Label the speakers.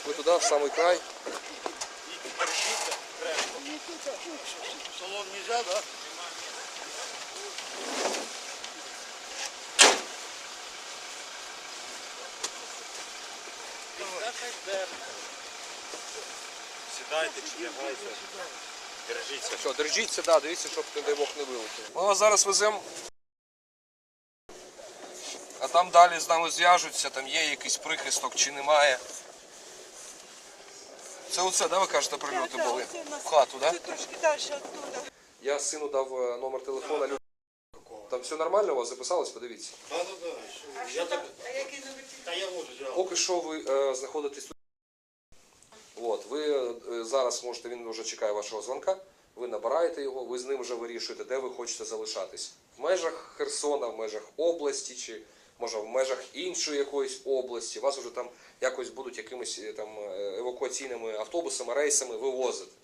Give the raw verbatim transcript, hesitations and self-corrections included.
Speaker 1: Ви туди, в самий край.
Speaker 2: Салон нельзя, да?
Speaker 3: Сідайте чи лягайте. Держіться.
Speaker 1: Що, держіться, да, дивіться, щоб, не дай Бог, не вилетіло. Ми вас зараз веземо. А там далі з нами зв'яжуться, там є якийсь прихисток чи немає. Це оце, да, ви кажете, прильоти
Speaker 4: Да, да,
Speaker 1: були?
Speaker 4: оце у нас
Speaker 1: В хату, да?
Speaker 4: тут трошки далі оттуда.
Speaker 1: Я сину дав е, номер телефона. Лю- Там все нормально у вас записалось? Подивіться.
Speaker 2: Да, да, да.
Speaker 4: А
Speaker 2: Я
Speaker 4: що там?
Speaker 2: так...
Speaker 4: А який номер телефону?
Speaker 2: Та я можу зразу.
Speaker 1: Поки що ви е, знаходитесь тут. От, ви е, зараз можете, він вже чекає вашого дзвонка, ви набираєте його, ви з ним вже вирішуєте, де ви хочете залишатись. В межах Херсона, в межах області, чи може в межах іншої якоїсь області. Вас вже там якось будуть якимись е, там е, евакуаційними автобусами, рейсами вивозити.